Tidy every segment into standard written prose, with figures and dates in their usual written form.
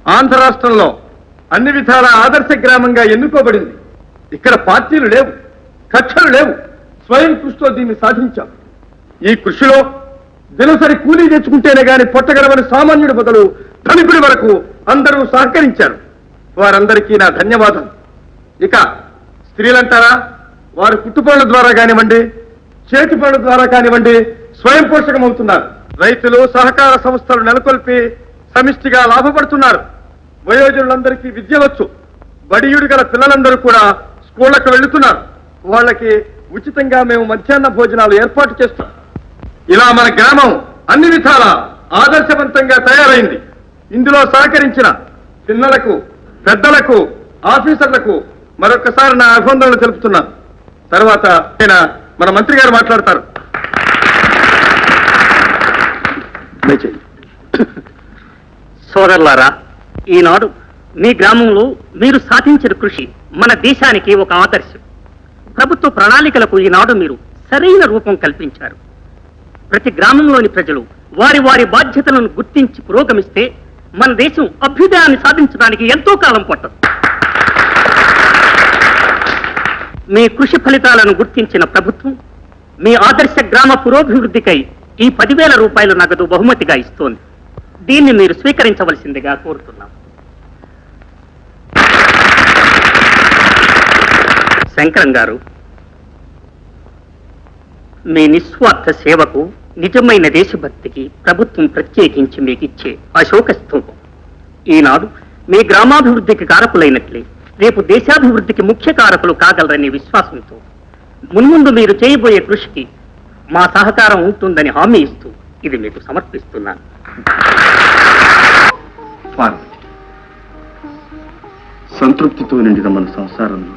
ఆంధ్ర రాష్ట్రంలో అన్ని విధాల ఆదర్శ గ్రామంగా ఎన్నుకోబడింది. ఇక్కడ పార్టీలు లేవు, కక్షలు లేవు. స్వయం కృషితో దీన్ని సాధించాం. ఈ కృషిలో దినసరి కూలీ తెచ్చుకుంటేనే గాని పొట్టగడవని సామాన్యుడి మొదలు ధనికుడి వరకు అందరూ సహకరించారు. వారందరికీ నా ధన్యవాదాలు. ఇక స్త్రీలంటారా, వారు కుట్టుపనుల ద్వారా కానివ్వండి, చేతి పనుల ద్వారా కానివ్వండి స్వయం పోషకమవుతున్నారు. రైతులు సహకార సంస్థలు నెలకొల్పి సమిష్టిగా లాభపడుతున్నారు. వయోజనులందరికీ విద్య వచ్చు. బడియుడు గల పిల్లలందరూ కూడా స్కూళ్లకు వెళుతున్నారు. వాళ్ళకి ఉచితంగా మేము మధ్యాహ్న భోజనాలు ఏర్పాటు చేస్తాం. ఇలా మన గ్రామం అన్ని విధాల ఆదర్శవంతంగా తయారైంది. ఇందులో సహకరించిన పిల్లలకు, పెద్దలకు, ఆఫీసర్లకు మరొకసారి నా అభినందనలు తెలుపుతున్నాను. తర్వాత మన మంత్రి గారు మాట్లాడతారు. సోదరులారా, ఈనాడు మీ గ్రామంలో మీరు సాధించిన కృషి మన దేశానికి ఒక ఆదర్శం. ప్రభుత్వ ప్రణాళికలకు ఈనాడు మీరు సరైన రూపం కల్పించారు. ప్రతి గ్రామంలోని ప్రజలు వారి వారి బాధ్యతలను గుర్తించి పురోగమిస్తే మన దేశం అభ్యుదయాన్ని సాధించడానికి ఎంతో కాలం పట్టదు. మీ కృషి ఫలితాలను గుర్తించిన ప్రభుత్వం మీ ఆదర్శ గ్రామ పురోభివృద్ధికై ఈ 10,000 రూపాయల నగదు బహుమతిగా ఇస్తోంది. దీన్ని మీరు స్వీకరించవలసిందిగా కోరుతున్నాం. శంకరం గారు, మీ నిస్వార్థ సేవకు, నిజమైన దేశభక్తికి ప్రభుత్వం ప్రత్యేకించి మీకు ఇచ్చే అశోక స్తూపం. ఈనాడు మీ గ్రామాభివృద్ధికి కారకులైనట్లే రేపు దేశాభివృద్ధికి ముఖ్య కారకులు కాగలరనే విశ్వాసంతో మున్ముందు మీరు చేయబోయే కృషికి మా సహకారం ఉంటుందని హామీ ఇస్తూ ఇది మీకు సమర్పిస్తున్నాను. సంతృప్తితో నిండిన మన సంసారంలో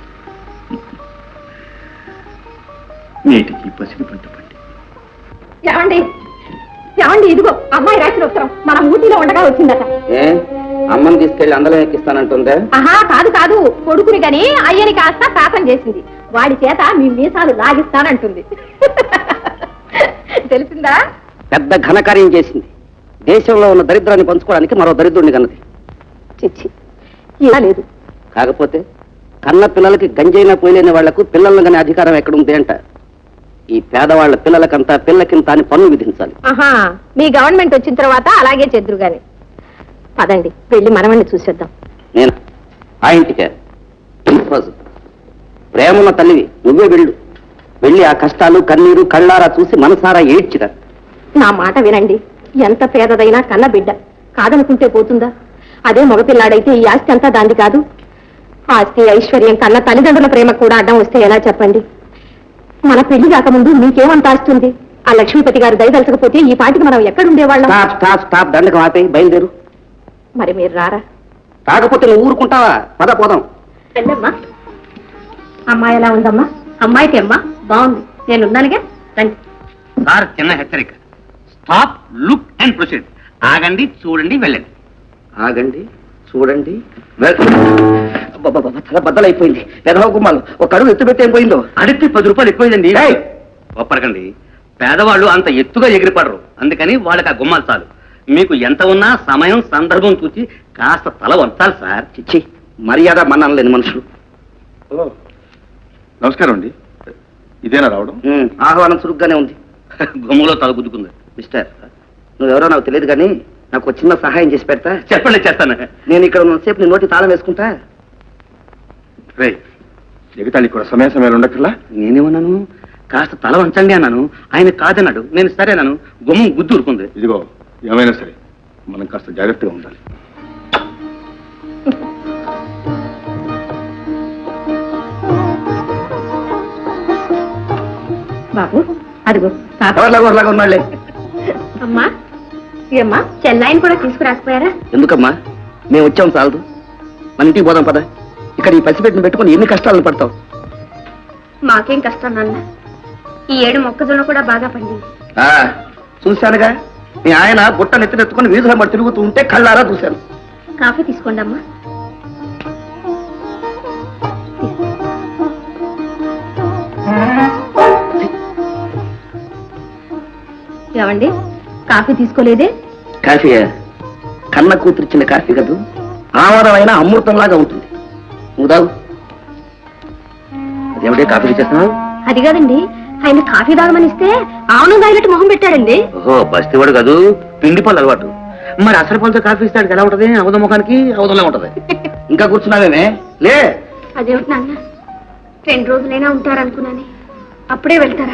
నేటికి పసిడి పంట పండి. ఏమండి ఏమండి, ఇదిగో అమ్మాయి రాసిన ఉత్తరం మన ఊటీలో ఉండగా వచ్చిందట. అమ్మని తీసుకెళ్లి అందలో ఎక్కిస్తానంటుందే? ఆహా, కాదు కాదు, కొడుకుని గని అయ్యని కాస్త శాతం చేసింది. వాడి చేత మీ మీసాలు లాగిస్తానంటుంది. తెలిసిందా? పెద్ద ఘనకార్యం చేసింది. దేశంలో ఉన్న దరిద్రాన్ని పంచుకోవడానికి మరో దరిద్రుడిని కన్నది. చిచ్చి, ఇలా లేదు. కాకపోతే కన్న పిల్లలకి గంజైనా పోయలేని వాళ్లకు పిల్లలను కానీ అధికారం ఎక్కడుంది అంట. ఈ పేదవాళ్ల పిల్లలకంతా పిల్లకింత అని పన్ను విధించాలి. ఆహా, మీ గవర్నమెంట్ వచ్చిన తర్వాత అలాగే చెద్దురు గాని. పదండి, వెళ్ళి మనవణ్ణి చూసేద్దాం. నేను ఆ ఇంటికే ప్రేమన్న తల్లివి, నువ్వే వెళ్ళు. వెళ్ళి ఆ కష్టాలు కన్నీరు కళ్ళారా చూసి మనసారా ఏడ్చిరా. నా మాట వినండి. ఎంత పేదదైనా కన్న బిడ్డ కాదనుకుంటే పోతుందా? అదే మగపిల్లాడైతే ఈ ఆస్తి అంతా దాంది కాదు. ఆస్తి ఐశ్వర్యం కన్నా తల్లిదండ్రుల ప్రేమ కూడా అడ్డం వస్తే ఎలా చెప్పండి? మన పెళ్లి కాకముందు మీకేమంత ఆస్తుంది? ఆ లక్ష్మీపతి గారు దయదలచకపోతే ఈ పాటికి మనం ఎక్కడుండేవాళ్ళం? స్టాప్ దండకం ఆపే, బయలుదేరు. మరి మీరు రారా? కాకపోతే నువ్వు ఊరుకుంటావా? పద పోదాం. వెళ్ళమ్మా. అమ్మాయి ఎలా ఉందమ్మా? అమ్మాయికి అమ్మా బాగుంది, నేనున్నానుగా. రండి. సార్, చిన్న హెచ్చరిక. Stop, look and proceed. ఆగండి, చూడండి, వెళ్ళండి. ఆగండి, చూడండి, తల బద్దలైపోయింది. పెదవ గుమ్మాలు ఒక అడుగు ఎత్తు పెట్టి ఏం పోయిందో. అడిగితే 10 రూపాయలు ఎక్కువైందండి. ఒప్పరకండి, పేదవాళ్ళు అంత ఎత్తుగా ఎగిరిపడరు. అందుకని వాళ్ళకి ఆ గుమ్మాలు చాలు. మీకు ఎంత ఉన్నా సమయం సందర్భం చూసి కాస్త తల వంచాలి సార్. చిచ్చి, మర్యాద మన్నాను లేని మనుషులు. నమస్కారం అండి. ఇదేనా రావడం? ఆహ్వానం చురుగ్గానే ఉంది. గుమ్మలో తల గుద్దుకుంది. మిస్టర్, నువ్వెవరో నాకు తెలియదు కానీ నాకు ఒక చిన్న సహాయం చేసి పెడతా? చెప్పండి, చేస్తాను. నేను ఇక్కడ ఉన్నసేపు నీ నోటి తాళం వేసుకుంటా. రే, ఎగతాళి కూడా సమయ సమయాలు ఉండక్కర్లా. నేనేమన్నాను? కాస్త తల వంచండి అన్నాను. ఆయన కాదన్నాడు. నేను సరేనాను. గుమ్మం గుద్దు ఊరుకుంది. ఇదిగో, ఏమైనా సరే మనం కాస్త జాగ్రత్తగా ఉండాలి. బాబు, అదిగో ఉన్నాళ్లే. అమ్మా, ఏమ్మా, చెన్నైని కూడా తీసుకురాకపోయారా? ఎందుకమ్మా, మేము వచ్చాం చాలదు. మన ఇంటికి పోదాం పద. ఇక్కడ ఈ పసిపెట్టిన పెట్టుకుని ఎన్ని కష్టాలను పడతావు? మాకేం కష్టం నాన్న. ఈ ఏడు మొక్కజొన్న కూడా బాగా పండింది. చూశానుగా, మీ ఆయన బుట్ట నెత్తినెత్తుకుని వీధుల మరి తిరుగుతూ ఉంటే కళ్ళారా చూశాను. కాఫీ తీసుకోండి అమ్మా. ఏమండి, కాఫీ తీసుకోలేదే? కాఫీయా? కన్న కూతురిచ్చిన కాఫీ కదూ ఆమరమైన అమృతంలాగా ఉంటుంది. నువ్వు తాగు. అదేమిటే కాఫీ చేస్తున్నావు? అది కాదండి, ఆయన కాఫీ తాగమని ఇస్తే ఆవును తాగినట్టు మొహం పెట్టాడండి. ఓహో, బస్తీవాడు కాదు, పిండి పళ్ళు అలవాటు. మరి అసలు పళ్ళతో కాఫీ ఇస్తాడు ఎలా ఉంటది? అవధ ముఖానికి అవధంలా ఉంటది. ఇంకా కూర్చున్నావేమే? లే. అదేమిటి నాన్న, 2 రోజులైనా ఉంటారనుకున్నాను, అప్పుడే వెళ్తారా?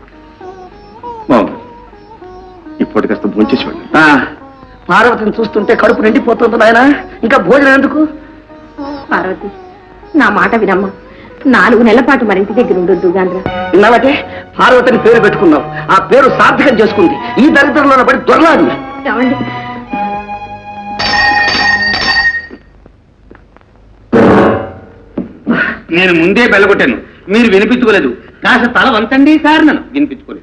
ఇప్పటి కాస్త భోంచేసి వెళ్ళండి. పార్వతిని చూస్తుంటే కడుపు నిండిపోతుంది నాయన, ఇంకా భోజనం ఎందుకు? పార్వతి, నా మాట వినమ్మా. 4 నెలల పాటు మరింటి దగ్గర ఉండొద్దు గాంధ్ర. విన్నావటే, పార్వతిని పేరు పెట్టుకున్నావు, ఆ పేరు సార్థకం చేసుకుంది. ఈ దరిద్రంలో పడి దొరలాడు. ఏమండి, నేను ముందే బెల్లగొట్టాను, మీరు వినిపించుకోలేదు. కాస్త తల వంచండి సార్. నన్ను వినిపించుకోలేదు.